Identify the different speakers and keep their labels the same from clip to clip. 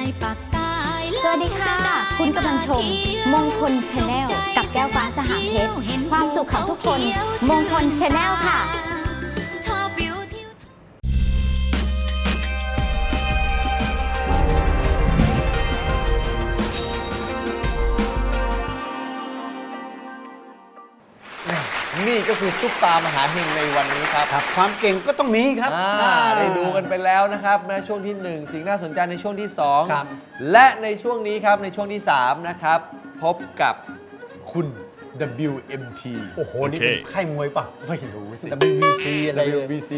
Speaker 1: สวัสดีค่ะคุณกำลังชมมงคลชาแนลกับแก้วฟ้าสหเพชรความสุขของทุกคนมงคลชาแนลค่ะ
Speaker 2: นี่ก็คือซุปตามหาเฮงในวันนี้ครับ
Speaker 3: ความเก่งก็ต้องมีครับ
Speaker 2: ได้ดูกันไปแล้วนะครับในช่วงที่1สิ่งน่าสนใจในช่วงที่2และในช่วงนี้ครับในช่วงที่3นะครับพบกับคุณ WMT
Speaker 3: โอ้โหนี่เป็นค่ายมวยป่ะ
Speaker 2: ไม่รู้สิ
Speaker 3: WBC อะไร
Speaker 2: WBC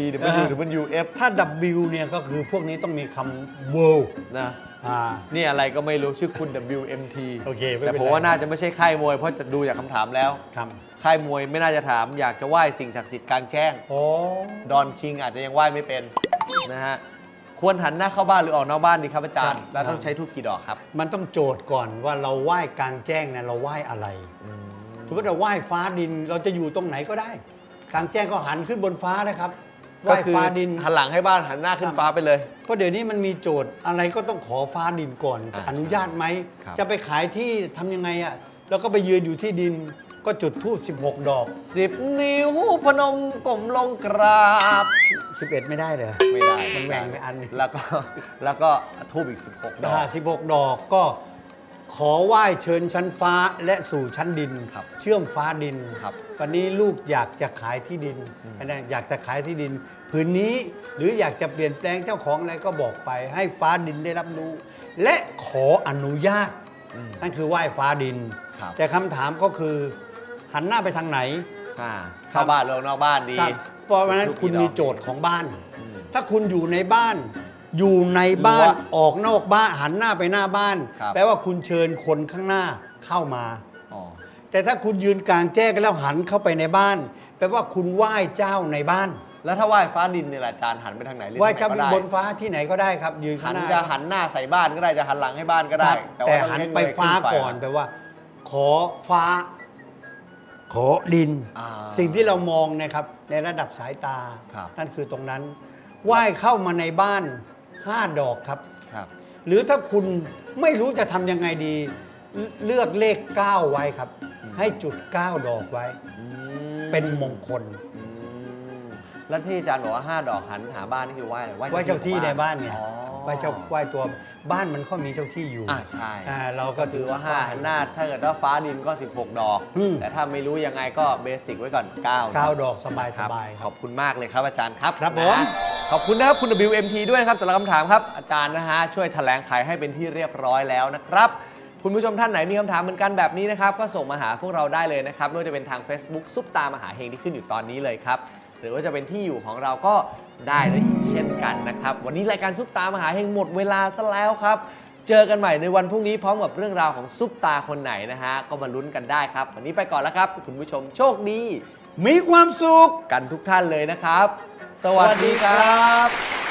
Speaker 2: WWF
Speaker 3: ถ้า W เนี่ยก็คือพวกนี้ต้องมีคำ World
Speaker 2: นะนี่อะไรก็ไม่รู้ชื่อคุณ WMT
Speaker 3: โอเค
Speaker 2: แต่ผมว่าน่าจะไม่ใช่ค่ายมวยเพราะจะดูจากคำถามแล้วค่ายมวยไม่น่าจะถามอยากจะไหว้สิ่งศักดิ์สิทธิ์กลางแจ้งดอนคิงอาจจะยังไหว้ไม่เป็นนะฮะควรหันหน้าเข้าบ้านหรือออกนอกบ้านดีครับอาจารย์แล้วต้องใช้ทูบกี่ดอกครับ
Speaker 3: มันต้องโจทย์ก่อนว่าเราไหว้กลางแจ้งเนี่ยเราไหว้อะไรสมมติเราไหว้ฟ้าดินเราจะอยู่ตรงไหนก็ได้กลางแจ้งก็หันขึ้นบนฟ้านะครับไหว้ฟ้าดิน
Speaker 2: หันหลังให้บ้านหันหน้าขึ้นฟ้าไปเลย
Speaker 3: เพราะเดี๋ยวนี้มันมีโจทย์อะไรก็ต้องขอฟ้าดินก่อนอนุญาตไหมจะไปขายที่ทำยังไงอ่ะแล้วก็ไปยืนอยู่ที่ดินก็จุดธูป16 ดอก
Speaker 2: 10 นิ้วพนมก้มลงกราบ
Speaker 3: 11ไม่ได้เลย
Speaker 2: ไม่ได้
Speaker 3: มันแบ่งไปอัน
Speaker 2: แล้วก็ธูปอีก16 ดอก
Speaker 3: 16 ดอกก็ขอไหว้เชิญชั้นฟ้าและสู่ชั้นดินเชื่อมฟ้าดินวันนี้ลูกอยากจะขายที่ดินอยากจะขายที่ดินผืนนี้หรืออยากจะเปลี่ยนแปลงเจ้าของอะไรก็บอกไปให้ฟ้าดินได้รับรู้และขออนุญาตนั่นคือไหว้ฟ้าดินแต่คำถามก็คือหันหน้าไปทางไหน
Speaker 2: เข้าบ้านหรือนอกบ้านดี
Speaker 3: เพราะฉะนั้นคุณมีโจทย์ของบ้านถ้าคุณอยู่ในบ้านออกนอกบ้านหันหน้าไปหน้าบ้านแปลว่าคุณเชิญคนข้างหน้าเข้ามาแต่ถ้าคุณยืนกลางแจ้งแล้วหันเข้าไปในบ้านแปลว่าคุณไหว้เจ้าในบ้าน
Speaker 2: แล้วถ้าไหว้ฟ้าดินเนี่ยอาจารย์หันไปทางไหน
Speaker 3: ไหว้เจ้าบนฟ้าที่ไหนก็ได้ครับยืนข้างหน้า
Speaker 2: จะหันหน้าใส่บ้านก็ได้จะหันหลังให้บ้านก็ได้
Speaker 3: แต่หันไปฟ้าก่อนแปลว่าขอฟ้าขอดินสิ่งที่เรามองนะครับในระดับสายตานั่นคือตรงนั้นไหว้เข้ามาในบ้าน5 ดอกครับหรือถ้าคุณไม่รู้จะทำยังไงดีเลือกเลข9ไว้ครับให้จุด9 ดอกไว้เป็นมงคล
Speaker 2: แล้วที่อาจารย์บอกว่า5 ดอกหันหาบ้านนี่คือไหว้
Speaker 3: เจ้าที่ในบ้านเนี่ยไหว้ตัวบ้านมันก็มีเจ้าที่อยู่
Speaker 2: ใช่
Speaker 3: เราก็
Speaker 2: ถือว่า5หันหน้าถ้าเกิดว่าฟ้าดินก็16 ดอกแต่ถ้าไม่รู้ยังไงก็เบสิกไว้ก่อน
Speaker 3: 9 ดอกสบาย
Speaker 2: ขอบคุณมากเลยครับอาจารย์ครับ
Speaker 3: ครับผม
Speaker 2: ขอบคุณนะครับคุณ WMT ด้วยนะครับสำหรับคำถามครับอาจารย์นะฮะช่วยแถลงไขให้เป็นที่เรียบร้อยแล้วนะครับคุณผู้ชมท่านไหนมีคำถามเหมือนกันแบบนี้นะครับก็ส่งมาหาพวกเราได้เลยนะครับไม่ว่าจะเป็นทาง Facebook ซุปตามหาเฮงที่ขึ้นอยู่ตอนนี้เลยครับหรือว่าจะเป็นที่อยู่ของเราก็ได้เลยเช่นกันนะครับวันนี้รายการซุปตามหาเฮงหมดเวลาซะแล้วครับเจอกันใหม่ในวันพรุ่งนี้พร้อมกับเรื่องราวของซุปตาคนไหนนะฮะก็มาลุ้นกันได้ครับวันนี้ไปก่อนแล้วครับคุณผู้ชมโชคดี
Speaker 3: มีความสุข
Speaker 2: กันทุกท่านเลยนะครับสวัสดีครับ